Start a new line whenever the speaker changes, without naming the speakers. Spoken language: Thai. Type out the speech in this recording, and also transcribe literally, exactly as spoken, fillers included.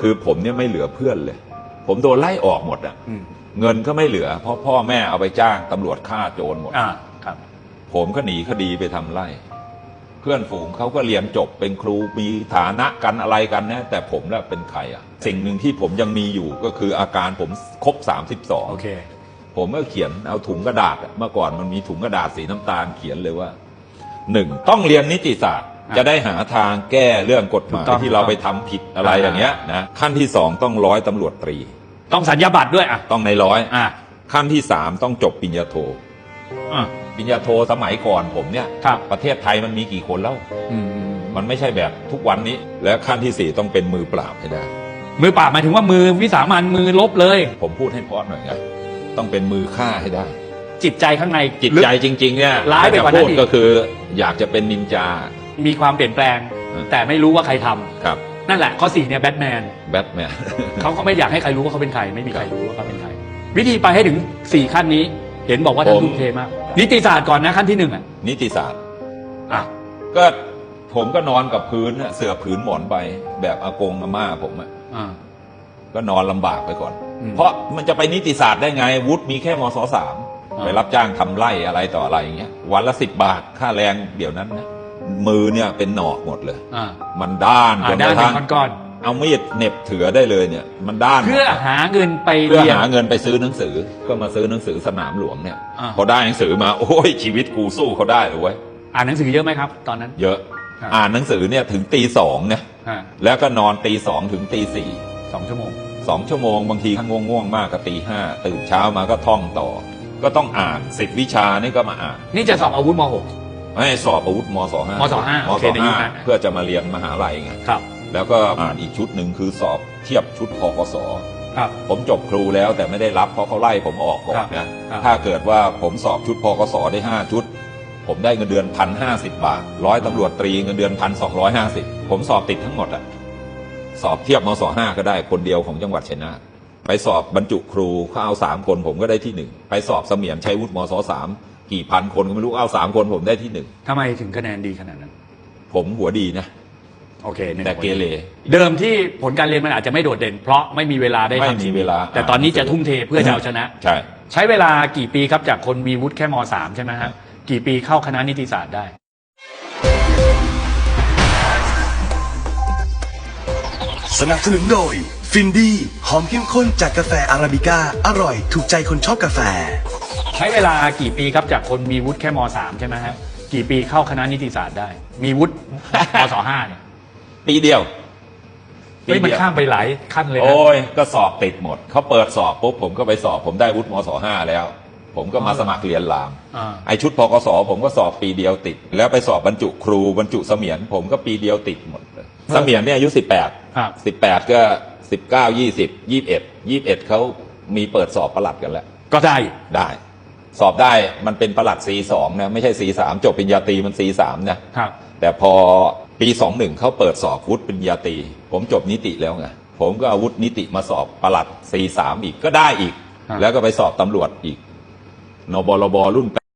คือผมเนี่ยไม่เหลือเพื่อนเลยผมโดนไล่ออกหมดอ่ะเงินก็ไม่เหลือเพราะพ่อแม่เอาไปจ้างตำรวจฆ่าโจรหมด
อ่าครับ
ผมก็หนีคดีไปทำไร่เพื่อนฝูงเขาก็เรียนจบเป็นครูมีฐานะกันอะไรกันนะแต่ผมน่ะเป็นใครอ่ะสิ่งหนึ่งที่ผมยังมีอยู่ก็คืออาการผมครบสามสิบสอง
โอเค
ผมก็เขียนเอาถุงกระดาษเมื่อก่อนมันมีถุงกระดาษสีน้ำตาลเขียนเลยว่าหนึ่งต้องเรียนนิติศาสตร์จะได้หาทางแก้เรื่องกฎหมายที่เราไปทำผิดอะไรอย่างเงี้ยนะขั้นที่สองต้องร้อยตำรวจตรี
ต้องสัญญาบัตรด้วยอ่ะ
ต้องในร้อย
อ่ะ
ขั้นที่สามต้องจบปริญญาโท
อ่ะ
ปริญญาโทสมัยก่อนผมเนี่ย
ครับ
ประเทศไทยมันมีกี่คนแล้ว
อืม
มันไม่ใช่แบบทุกวันนี้และขั้นที่สี่ต้องเป็นมือปราบให้ได้
มือปราบหมายถึงว่ามือวิสามันมือลบเลย
ผมพูดให้เพราะหน่อยไงต้องเป็นมือฆ่าให้ได้
จิตใจข้างใน
จิตใจจริงๆเนี่ย
ร้ายไปกว่านั้นอีก
ก็คืออยากจะเป็นนินจา
มีความเปลี่ยนแปลงแต่ไม่รู้ว่าใครทำ
ครับ
นั่นแหละข้อสี่เนี่ยแบทแมน
แบทแมน
เขาก็ไม่อยากให้ใครรู้ว่าเขาเป็นใครไม่มีใครรู้ว่าเขาเป็นใครวิธีไปให้ถึงสี่ขั้นนี้เห็นบอกว่าท่านทุ่มเทมากนิติศาสตร์ก่อนนะขั้นที่หนึ่งอ่ะ
นิติศาสตร์
อ่ะ
ก็ผมก็นอนกับพื้นเสื่อผืนหมอนไปแบบอากงอาม่าผมอ่ะก็นอนลำบากไปก่อนเพราะมันจะไปนิติศาสตร์ได้ไงวุฒิมีแค่มศสามไปรับจ้างทำไร่อะไรต่ออะไรอย่างเงี้ยวันละสิบบาทค่าแรงเดี๋ยวนั้นนะมือเนี่ยเป็นหนอกหมดเลยมันด้าน
จนกระทั่งก้อน
เอามีดเหน็บเถือได้เลยเนี่ยมันด้าน
เพื่อหาเงินไป
เพื่อหาเงินไปซื้อหนังสือก็มาซื้อหนังสือสนามหลวงเนี่ยพอได้หนังสือมาโอ้ยชีวิตกูสู้เขาได้เลยเว้ย
อ่านหนังสือเยอะไหมครับตอนนั้น
เยอะอ่านหนังสือเนี่ยถึงตีสองเนี่ยแล้วก็นอนตีสองถึงตีสี่
สองชั่วโมง
สองชั่วโมงบางทีถ้าง่วงๆมากก็ตีห้าตื่นเช้ามาก็ท่องต่อก็ต้องอ่านสิบวิชานี่ก็มาอ่าน
นี่จะสอบอาวุธมหก
ไม่สอบอาวุธมศห้าม
ศห้าม
ศห้าเพื่อจะมาเรียนมหาลัยไง
ครับ
แล้วก็อ่านอีกชุดหนึ่งคือสอบเทียบชุดพกส
ครับ
ผมจบครูแล้วแต่ไม่ได้รับเพราะเขาไล่ผมออกก่อนนะถ้าเกิดว่าผมสอบชุดพกสได้ห้าชุดผมได้เงินเดือนพันห้าสิบบาทร้อยตำรวจตรีเงินเดือนพันสองร้อยห้าสิบผมสอบติดทั้งหมดอะสอบเทียบมศห้าก็ได้คนเดียวของจังหวัดชัยนาทไปสอบบรรจุครูเขาเอาสามคนผมก็ได้ที่หนึ่งไปสอบเสมียนชัยวุฒิมศสามกี่พันคนก็ไม่รู้เอาสามคนผมได้ที่หนึ่ง
ทำไมถึงคะแนนดีขนาดนั้น
ผมหัวดีนะ
โอเค
แต่เกเร
เดิมที่ผลการเรียนมันอาจจะไม่โดดเด่นเพราะไม่มีเวลาได้
ทำสิ่งเวลา
แต่ตอนนี้จะทุ่มเทเพื่อจะเอาชนะ
ใช่
ใช้เวลากี่ปีครับจากคนมีวุฒิแค่มสามใช่ไหมฮะกี่ปีเข้าคณะนิติศาสตร์ได้
สนับสนุนโดยฟินดี้หอมเข้มข้นจากกาแฟอาราบิก้าอร่อยถูกใจคนชอบกาแฟ
ใช้เวลากี่ปีครับจากคนมีวุฒิแค่มสามใช่ไหมฮะกี่ปีเข้าคณะนิติศาสตร์ได้มีวุฒิมศห้าเนี่ย
ปีเดียว
เฮ้ยมันข้ามไปหลายขั้นเลยนะ
โอ้ยก็สอบติดหมดเขาเปิดสอบปุ๊บผมก็ไปสอบผมได้วุฒิมศห้าแล้วผมก็มาสมัครเรียนรามไอชุดพกสผมก็สอบปีเดียวติดแล้วไปสอบบรรจุครูบรรจุเสมียนผมก็ปีเดียวติดหมดเลยเสมียนเนี่ยอายุสิบแปดสิบแปดก็สิบเก้ายี่สิบยี่สิบเอ็ดยี่สิบเอ็ดเขามีเปิดสอบประหลัดกันแล้ว
ก็ได้
ได้สอบได้มันเป็นประหลัด ซี สองนะไม่ใช่ ซี สามจบปริญญาตรีมัน ซี สามนะครับแต่พอปีสองสิบเอ็ดเขาเปิดสอบวุฒิปริญญาตรีผมจบนิติแล้วไงผมก็เอาวุฒินิติมาสอบประหลัด ซี สามอีกก็ได้อีกแล้วก็ไปสอบตำรวจอีกนบลบรุ่น